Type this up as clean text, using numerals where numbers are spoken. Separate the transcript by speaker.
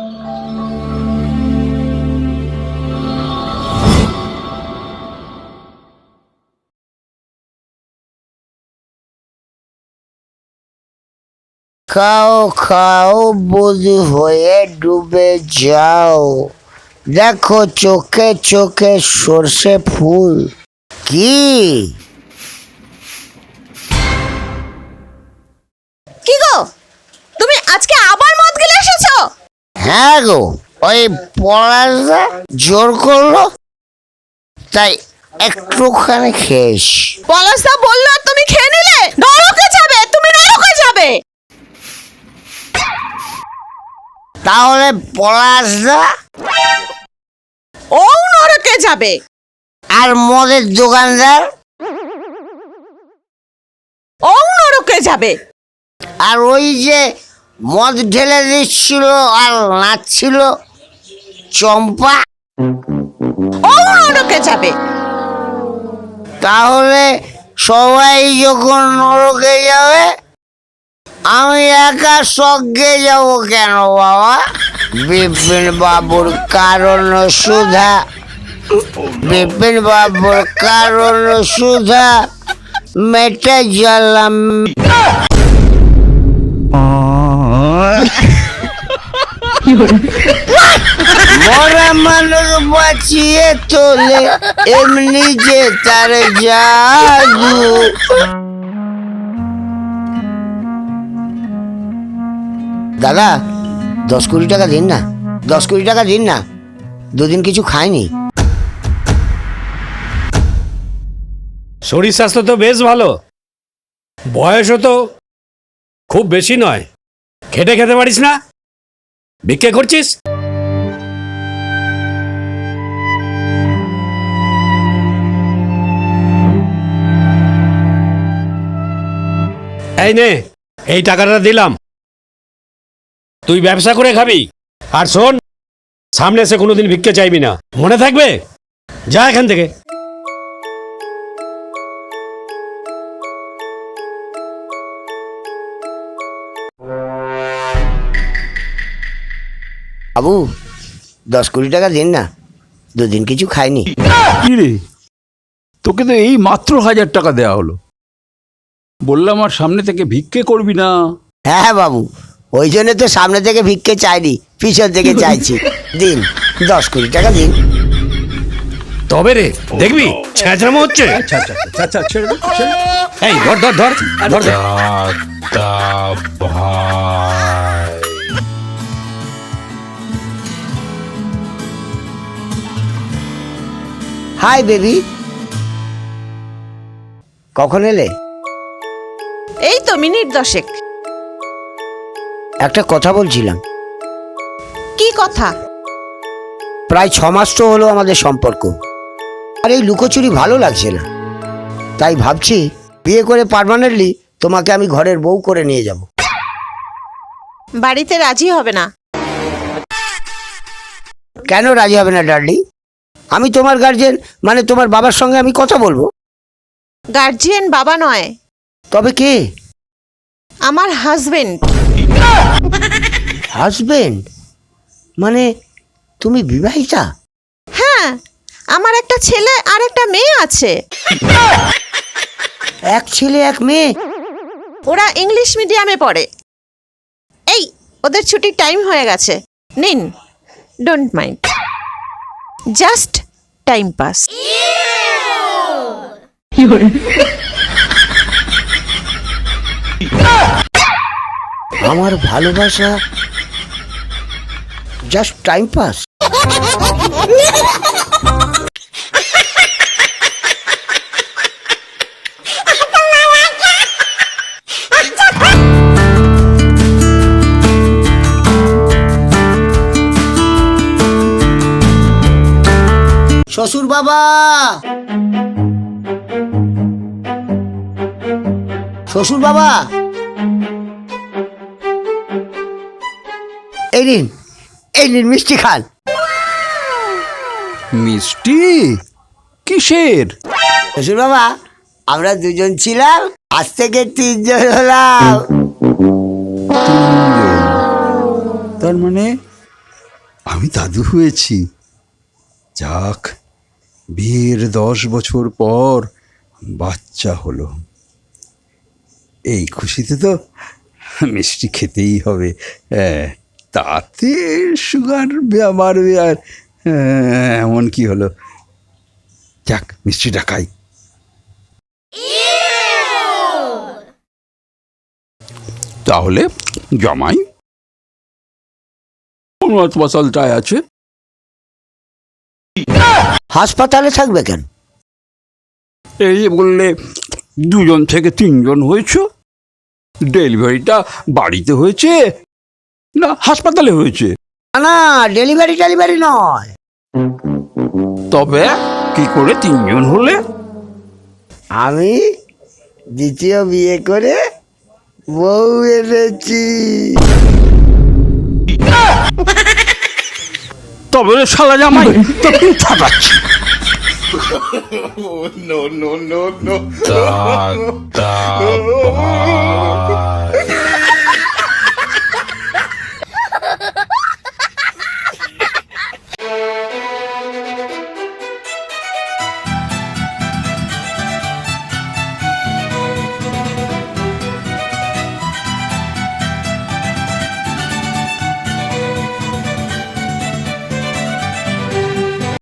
Speaker 1: খাও খাও বধূ হয়ে ডুবে যাও, দেখো চোখে চোখে সর্ষে ফুল। কি
Speaker 2: কি গো, তুমি আজকে আবার মদ গিলে এসেছো?
Speaker 1: হ্যাঁ গো, ওই পড়াশা জোর করলো তাই একটুখানি খেয়েছ।
Speaker 2: পলাশদা বললো আর তুমি খেয়ে নিলে? নরকে যাবে, তুমি নরকে যাবে।
Speaker 1: তাহলে পলাশদা
Speaker 2: ও নরকে যাবে।
Speaker 1: আর মদের দোকানদার
Speaker 2: ও নরকে যাবে।
Speaker 1: আর ওই যে মদ ঢেলে দিচ্ছিল আর নাচছিল চম্পা,
Speaker 2: ও নরকে যাবে।
Speaker 1: তাহলে সবাই যখন নরকে যাবে আমি একা স্বর্গে যাব কেন বাবা? বিপিন বাবুর কারণ সুধা, বিপিন বাবুর কারণ সুধা মেটে জ্বালাম। মরা মানুষ বাঁচিয়ে তোলে এমনি যে তার জাদু। দাদা 10-20 টাকা দিন না, 10-20 টাকা দিন না, দুদিন কিছু খাইনি।
Speaker 3: শরীর স্বাস্থ্য তো বেশ ভালো, বয়সও তো খুব বেশি নয়, খেটে খেতে পারিস না, ভিক্ষে করছিস? এই নে, এই টাকাটা দিলাম, তুই ব্যবসা করে খাবি। আর শোন, সামনে এসে কোনোদিন ভিক্ষে চাইবি না, মনে থাকবে? যা এখান থেকে।
Speaker 1: বাবু 10-20 টাকা দিন না, দুদিন কিছু খাইনি।
Speaker 4: কি রে, তোকে তো এই মাত্র 1000 টাকা দেওয়া হলো, বললাম আর সামনে থেকে ভিক্ষে করবি না।
Speaker 1: হ্যাঁ বাবু, ওই জন্য তো সামনে থেকে ভিক্ষে চাইনি, পিছন থেকে চাইছি। দিন 10-20 টাকা দিন।
Speaker 3: তবে রে দেখবি ছেঁচড়ামো হচ্ছে।
Speaker 4: আচ্ছা আচ্ছা আচ্ছা, ছেড়ে দে, ছেড়ে দে।
Speaker 3: এই ধর ধর ধর ধর ধর।
Speaker 1: হাই বেবি, কখন এলে?
Speaker 2: এই তো মিনিট 10।
Speaker 1: একটা কথা বলছিলাম।
Speaker 2: কি কথা?
Speaker 1: প্রায় 6 মাস তো হলো আমাদের সম্পর্ক, আর এই লুকোচুরি ভালো লাগছে না, তাই ভাবছি বিয়ে করে পার্মানেন্টলি তোমাকে আমি ঘরের বউ করে নিয়ে যাব।
Speaker 2: বাড়িতে রাজি হবে না।
Speaker 1: কেন রাজি হবে না ডার্লিং? আমি তোমার গার্জেন, মানে তোমার বাবার সঙ্গে আমি কথা বলবো।
Speaker 2: গার্জিয়ান বাবা নয়,
Speaker 1: তবে কে?
Speaker 2: আমার হাজবেন্ড।
Speaker 1: হাজবেন্ড? মানে তুমি বিবাহিতা?
Speaker 2: হ্যাঁ, আমার একটা ছেলে আর একটা মেয়ে আছে।
Speaker 1: এক ছেলে এক মেয়ে?
Speaker 2: ওরা ইংলিশ মিডিয়ামে পড়ে। এই ওদের ছুটির টাইম হয়ে গেছে, নিন, don't mind, just time pass.
Speaker 1: আমার ভালোবাসা জাস্ট টাইম পাস? শ্বশুর বাবা, শ্বশুর বাবা, এই নিন, এই নিন মিষ্টি খান।
Speaker 4: মিষ্টি? কিসের?
Speaker 1: শ্বশুর বাবা, আমরা দুজন ছিলাম, আজ থেকে 3 জন হলাম।
Speaker 4: তার মানে আমি দাদু হয়েছি। যাক, বিয়ের 10 বছর পর বাচ্চা হলো। এই খুশিতে তো মিষ্টি খেতেই হবে। তাতে সুগার বাড়বে আর এমন কি হলো? যাক, মিষ্টিটা খাই। তাহলে জামাই কোন হাসপাতালটায় আছে?
Speaker 1: হাসপাতালে থাকবে কেন?
Speaker 4: এই বললে 2 থেকে 3 হয়েছে। ডেলিভারিটা বাড়িতে হয়েছে না হাসপাতালে হয়েছে?
Speaker 1: না, ডেলিভারি নয়।
Speaker 4: তবে কি করে 3 হলে?
Speaker 1: আমি দ্বিতীয় বিয়ে করে বউ এনেছি।
Speaker 4: তবে রে শালা জামাই, তোকে ফাটাচ্ছি।
Speaker 5: no, no, no, no.
Speaker 4: দাদা